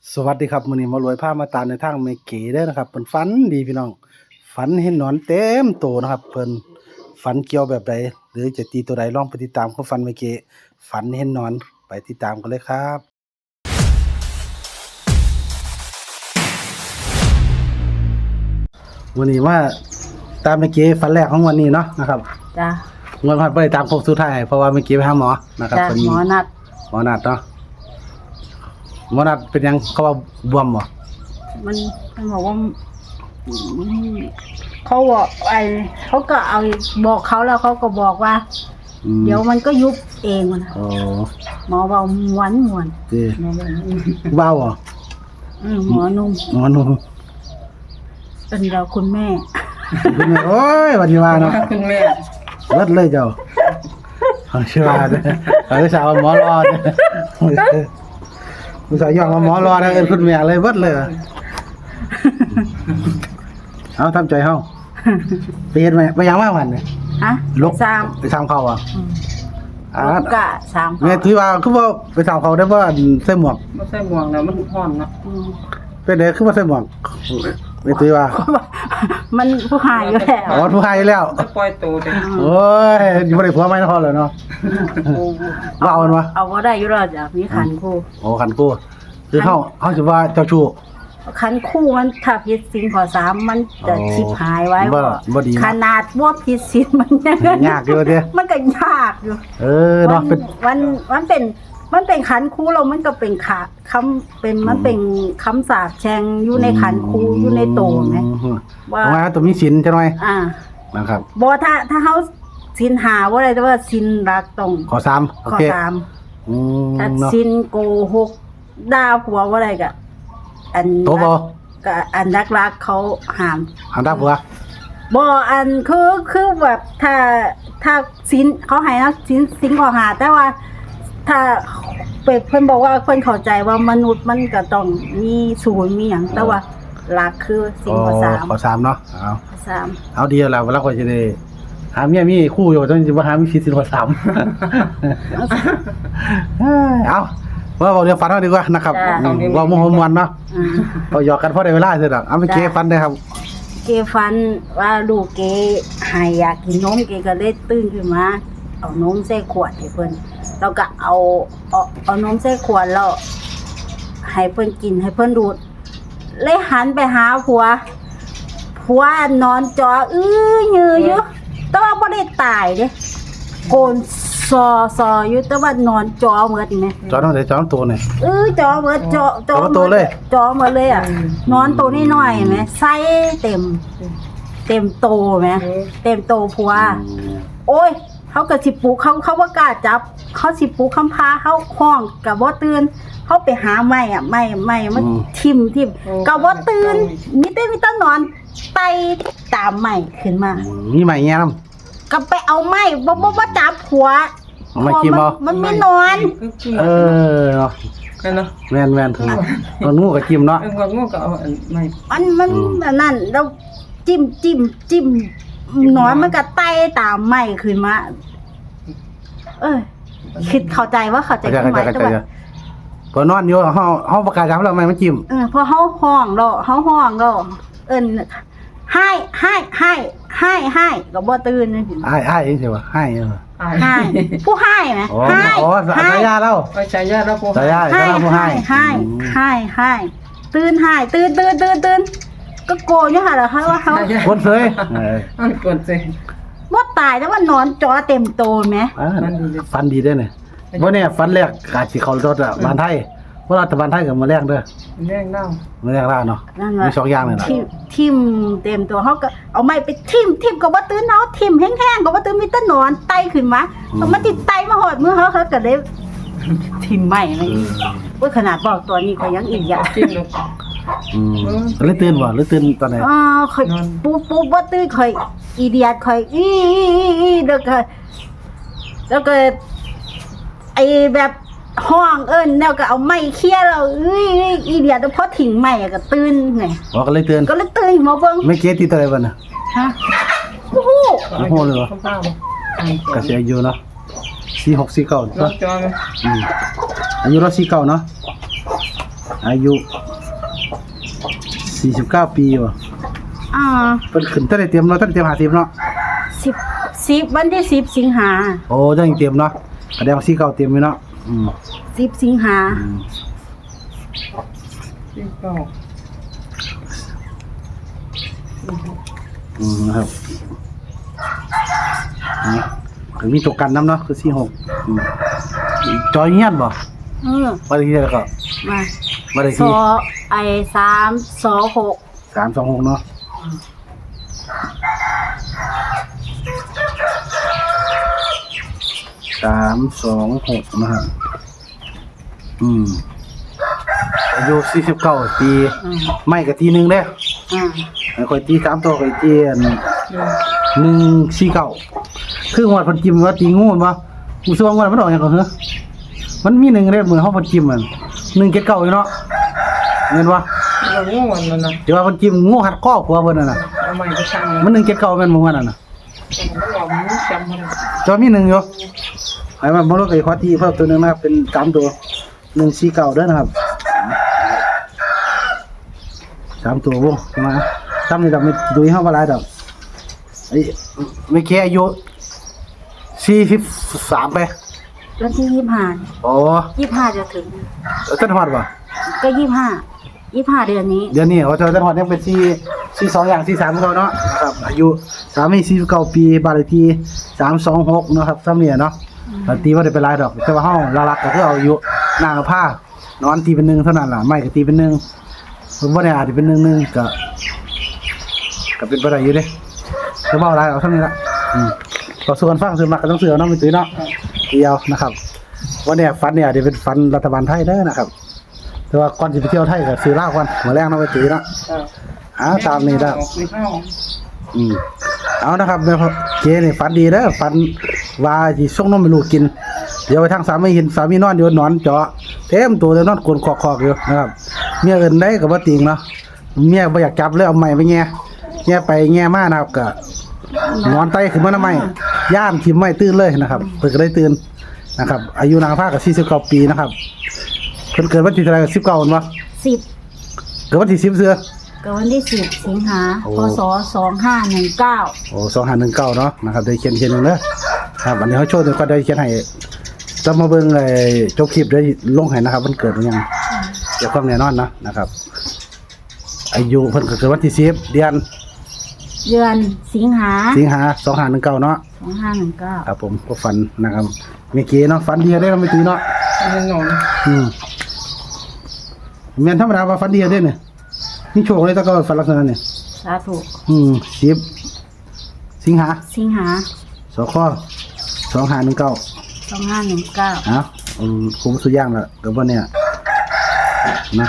สวัสดีครับมื้อนี้มารวยพามาตามในทางแม่เก๋เด้อนะครับเพิ่นฝันดีพี่น้องฝันเห็นหนอนเต็มโตนะครับเพิ่นฝันเกี่ยวแบบใดหรือจะตีตัวใดลองไปติดตามความฝันแม่เก๋ฝันเห็นหนอนไปติดตามกันเลยครับวันนี้ว่าตามแม่เก๋ฝันแรกของวันนี้เนาะนะครับจ้ะงวดผ่านไปตามโค้งสุดท้ายเพราะว่าแม่เก๋ไปหาหมอนะครับจ้ะเพิ่นหมอนัดหมอนัดเนาะหมอนัดเป็นหยังเขาว่าบวมบ่มันบอกว่าเขาบอกเขาก็เอาบอกเขาแล้วเขาก็บอกว่า เดี๋ยวมันก็ยุบเองมันโอ้หมอบอกม้วนเจ้หมอบอกว้าวบ่หมอนุ่มหมอหนุ่มเป็นเราคุณแม่คุณแม่โอ้ยวันนี้ว่าเนาะคุณแม่เลิศเลยเจ้าเอาชื่อว่าเด้อเอาสาวหมอรอเด้อผู้สาวย่องว่าหมอรอเด้อเอิ้นคุณแม่เลยเบิดเลยเอาทำใจเฮาไปเฮ็ดไหมไปยังมาวันนี่ฮะลกสามไปทำเขาอ่ะลูกกะสามแม่ถือว่าคือว่าไปทำเขาได้บ่ใส่หมวกไม่ใช่หมวกแล้วมันห่อนเนาะเป็นไดคือว่าใส่หมวกแม่ถือว่ามันผู้หายอยู่แล้วอ๋อผู้ให้แล้วจะปล่อยตัวไปโอ้ยอยู่บ่ได้ผัวใหม่นครเลยเนาะว่าเอามันวะเอาว่าได้อยู่แล้วจ้ะมีขันคู่โอ้คันกูคือเฮาสิว่าเจ้าชู้ขันคู่มันถ้าผิดศีลข้อ3มันจะอ๋อชิบหายไว้บ่ดีนะขนาดว่าผิดศีลมันยังยากอยู่เด้มันก็ยากอยู่เนาะเป็นมันเป็นขันคู่เรามันก็เป็นคำเป็นมันเป็นคำสาปแช่งอยู่ในขันคู่อยู่ในโตไหม ว่าว่าตัวมีศีลจังหน่อย นะครับบ่ถ้าเฮาศีลหาบ่ได้แต่ว่าศีลรักต้องขอ3โอข้อเค 3 อืมถ้าเนาะศีลโกหกด่าผัวบ่ได้ก็อันโตบ่ก็อันรักเขาห้ามหาตาผัวบ่อันคือแบบถ้าศีลเขาให้นะศีลข้อหาแต่ว่า ถ้าเพิ่นบอกว่าเพิ่นเข้าใจว่ามนุษย์มันก็ต้องมีศูนย์มีหยังแต่ว่าหลักคือศีลข้อขอ3เนาะ 3 3 เอาดีแล้วเวลาข่อยสิได้หาเมียมีคู่อยู่ต้องสิบ่หามีศีลข้อ3เอาว่าเว้าเรื่องฝันเอาดีกว่านะครับว่าม่วนเนาะก็หยอกกันพอได้เวลาซื่อดอกเอาไปเก็บฝันได้ครับเกฟันว่าลูกเกให้อยากกินนมเกก็เลยตื่นขึ้นมาเอานมใส่ขวดให้เพิ่นแล้วก็เอานมใส่ขวดแล้วให้เพิ่นกินให้เพิ่นดูดเลยหันไปหาผัวนอนจอยืออยู่แต่ว่าบ่ได้ตายเด้โกนซออยู่แต่ว่านอนจอเหมือนนี่จอต้องได้จอตัวนี่จอเหมือนจอจอโตเลยจอเหมือนเลยอ่ะนอนตัวน้อยๆแหมไส้เต็มโตแหมเต็มโตผัวโอ้ยเขาก็สิปลุกเขาบ่กล้าจับเขาสิปลุกคำพาเขาห้องก็บ่ตื่นเขาไปหาไม้อ่ะไม้มันทิ่มก็บ่ตื่นมีแต่นอนไต่ตามไม้ขึ้นมามีใหม่แง่นำก็ไปเอาไม้บ่จับผัวเอาไม้จิ้มบ่มันไม่นอนเนาะกันเนาะแม่นๆถึงตัวงูก็จิ้มเนาะงอกงูก็เอาอันไม่มันอันนั่นแล้วจิ้มหนอนมันก็ไต่ตามไม้ขึ้นมาคิดเข้าใจว่าเข้าใจความหมายแต่ว่าพอนอนอยู่เฮาประกาศจับแล้วไม้มันจิ้มพอเฮาห้องแล้วเอิ้นให้ก็บ่ตื่นอ้ายจังซี่ว่าให้ให้ผู้ให้ไหมอ๋อสายาเราไปใช้ยาแล้วพวกสายาผู้ให้ตื่นให้ตื่นก็โกนอยู่หั่นล่ะค่ะว่าเฮาคนเสยมันกดสิบ่ตายแต่ว่านอนจอเต็มโตแหมฟันดีได้เนี่ยบ่เนี่ยฟันแรกกาสิเข้ารถอ่ะบ้านไทยว่ารัฐบาลไทยก็มาแรกเด้อแรงเน่ามาแรกล่าเนาะนั่นมี2อย่างเลยล่ะทิ่มเต็มตัวเฮาก็เอาไม้ไปทิ่มก็บ่ตื่นเฮาทิ่มแห้งๆก็บ่ตื่นมีแต่นอนไต่ขึ้นมาเอามาติดไต่มาหอดมือเฮาก็เลยทิ่มไม้เลยโอ้ยขนาดบอกตัวนี้ก็ยังอีกอย่างกินลูกเลยตื่นบ่หรือตื่นตอนไหนค่อยปูบ่ตื่นค่อยอีเดียดค่อยอีแล้วก็ไอ้แบบห้องเอิ้นแล้วก็เอาไม้เคี่ยแล้วอีเดียดพอทิ้งไม้ก็ตื่นไงบ่ก็เลยตื่นก็เลยตื่นมาเบิ่งไม่เกติตัวใดบ่น่ะฮะโอ้โหโอ้โหเลยบ่ข้าวเปล่าก็สิอายุเนาะ4649 นอเนาะนจออายุเรา49เนาะอายุ49ปีว่ะอ่าเพิ่นขึ้นตั้งแต่เตรียมเนาะตั้งแต่เตรียม50เนาะ 10วันที่10สิงหาโอ้จังเตรียมเนาะแสดงว่า49เตรียมไว้เนาะ 10สิงหาที่เก้านะครับก็มีตัวกันน้ำเนาะคือ46จอยเงียบบ่ บ้านเลขที่แล้วก็มาบ้านเลขสที่อ326 326เนาะ326นะครับอายุ49ปีไม่ก็ทีนึงเด้ข่อยตี3ตัวข่อยตี149คือหัวเพิ่นจิ้มว่าตีงูบ่กูสิว่าว่ามันออกหยังก็เหรอมันมี1เด้เหมือนเฮาเพิ่นจิ้มมัน179อยู่เนาะแม่นบ่เราง่วนนั่นน่ะเดี๋ยวว่าเพิ่นจิ้มงูหัดคอผัวเพิ่นน่ะเอาใหม่ไปสั่งมัน179แม่นบ่ว่านั่นน่ะผมก็บอกมึงจำมันจอมี1อยู่ไอ้มันบ่รู้ไอ้ขอที่เพิ่มตัวนึงนะครับเป็น3ตัว149เด้อนะครับ3ตัววงมาทำนี่ดอกไม่ดูให้เฮาบ่หลายดอกไอ้ไม่แค่อายุ43ไปวันที่25 โอ้ 25จะถึงท่านฮอดบ่ก็25เดือนนี้เดี๋ยวนี้ว่าเจ้าท่านฮอดยังเป็น42อย่าง43เขาเนาะครับอายุ49ปีบ้านเลขที่326เนาะครับซ้ำเนี่ยเนาะตีว่าได้เป็นหลายดอกแต่ว่าเฮาหลักๆก็คือเอาอายุนางกับผ้านอนตีเป็น1เท่านั้นล่ะไม่ก็ตีเป็น1ผมบ่ได้อาจสิเป็น1ก็เป็นไปได้อยู่เด้จะเว้าหลายเอาซ้ำนี้ละก็ส่วนฟังส่วนมากก็ต้องเสือเนาะไม่ตื้อเนาะเดียวนะครับวันนี้ฝันเนี่ยเดี๋ยวเป็นฝันรัฐบาลไทยเด้อนะครับแต่ว่าก่อนสิไปเที่ยวไทยก็ซื้อเหล้าก่อนมื้อแรกเนาะไปตื้อเนาะตามนี้ได้ไม่เข้าเอานะครับแม่พ่อเจนี่ฝันดีเด้อฝันว่าสิส่งนมให้ลูกกินเดี๋ยวไปทางสามีเห็นสามีนอนอยู่นอนเจาะเต็มตัวเลยนอนกลนคอกๆอยู่นะครับเมียเอิ้นได้ก็บ่ติงเนาะเมียบ่อยากจับเลยเอาไม้ไปแง่ไปแง่มานะครับก็นอนไตขึ้นมาหน้าไม้ย่ามทิ่มไม้ตื่นเลยนะครับเพิ่นก็ได้ตื่นนะครับอายุนางฟ้าก็49ปีนะครับเพิ่นเกิดวันที่เท่าไหร่19บ่ 10 เกิดวันที่10เสือก็วันที่10สิงหาโอ้พศ2519 โอ้2519เนาะนะครับได้เขียนเด้อครับอันนี้เขาโชว์เดี๋ยวก็ได้เขียนให้จะมาเบิ่งไอ้จบคลิปได้ลงให้นะครับมันเกิดมันยังเดี๋ยวความแน่นอนนะครับอายุเพิ่นก็เกิดวันที่10เดือนสิงหา 2519เนาะ 2519 ครับผมก็ฝันนะครับเมื่อกี้เนาะฝันดีได้เราไม่ตื่นเนาะไม่นอนแม่นธรรมดาว่าฝันดีได้เนี่ยนี่โชคเลยแตะก็ฝันลักษณะเนี่ยสาธุ 10สิงหาสิงหาสค2519 2519 คุ้มสุดย่างละกับว่าเนี่ยนะ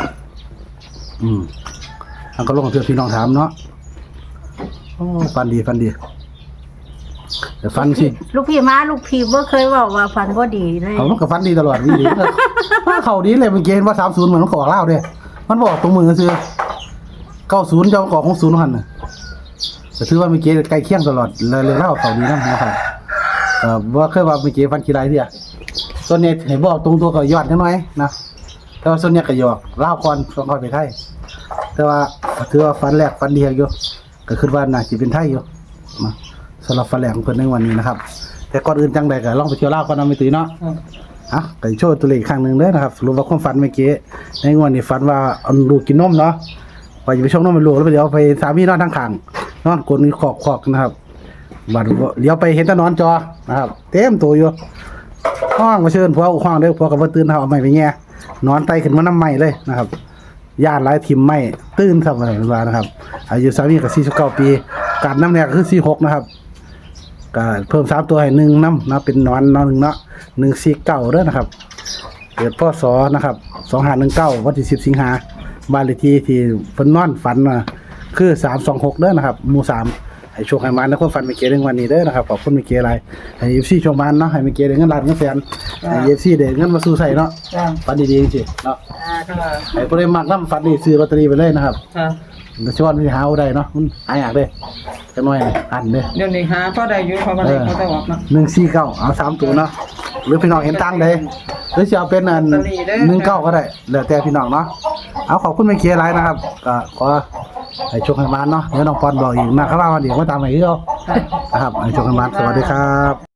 อันก็ลงเพื่อพี่น้องถามเนาะโอ้ฟันดีแต่ฟันสิลูกพี่บ่เคยเว้าว่าฝันบ่ดีเลยเขามันก็ฟันดีตลอดดีเขาดีเลยมันเกณฑ์ว่า30เหมือนมันขอเล่าเด้มันบอกตรงมือซื่อ90จะขอ60หั่นน่ะแต่ถือว่ามีเกณฑ์ใกล้เคียงตลอดเลยเล่าเขาดีนะครับว่าเคยว่ามีเกณฑ์ฟันขี้ไรเด้อส่วนนี้ให้บอกตรงตัวก็ยอดจังน้อยนะแต่ว่าส่วนนี้ก็หยอกเล่าก่อนค่อยไปไทยแต่ว่าถือว่าฟันแรกฟันดีอยู่ก็คิดว่าน่าสิเป็นไทยอยู่นะสำหรับฟันแรกของเพิ่นในวันนี้นะครับแต่ก่อนอื่นจังใดก็ลองไปเที่ยวลาวก่อนนะไม่ตื่นเนาะก็โชว์ตัวเลขอีกครั้งนึงเด้อนะครับสรุปว่าความฝันเมื่อกี้ในงวดนี้ฝันว่าเอาลูกกินนมเนาะว่าจะไปชงนมให้ลูกแล้วเดี๋ยวไปสามีนอนทางข้างนอนกลนคอกนะครับบัดเลี้ยวไปเห็นแต่นอนจอนะครับเต็มตัวอยู่ห้องมาเชิญผัวห้องเด้อผัวก็บ่ตื่นเอาไม้ไปแง่นอนไตขึ้นมาน้ำไม้เลยนะครับญาติหลายทิ่มไม้ตื่นครับว่านะครับอายุสามีก็49ปีการน้ำแรกคือ46นะครับก็เพิ่ม3ตัวให้1น้ำนะเป็นนอน1เนาะ149เด้อนะครับเกิดพศนะครับ2519วันที่10สิงหาบ้านเลขที่เพิ่นนอนฝันคือ326เด้อนะครับหมู่3 ให้โชคให้มันนะความฝันไม่เกในวันนี้เด้อนะครับขอบคุณไม่เกอะไรให้ FC โชคมันเนาะให้ไม่เกได้เงินล้านเงินแสนให้ FC ได้เงินมาสู่ใส่เนาะจ้าฝันดีๆจริงๆเนาะค่ะให้ผู้ใดมักนำฝันนี่ซื้อลอตเตอรี่ไปเลยนะครับค่ะเดี๋ยวสิว่ามันสิหาเอาได้เนาะมันหายากเด้จังหน่อยอันเด้เดี๋ยวนี้หาพ่อได้อยู่เพราะว่าได้เขาจะออกเนาะ 149เอา3ตัวเนาะหรือพี่น้องเห็นตั้งใดหรือสิเอาเป็นอันลอตเตอรี่เด้อ 19ก็ได้แล้วแต่พี่น้องเนาะเอาขอบคุณไม่เกหลายนะครับก็ขอให้โชคให้มันเนาะเดี๋ยวน้องปอนบอกอีกนะครับว่าวันนี้มาตามให้คือเอาค่ะนะครับให้โชคให้มันสวัสดีครับ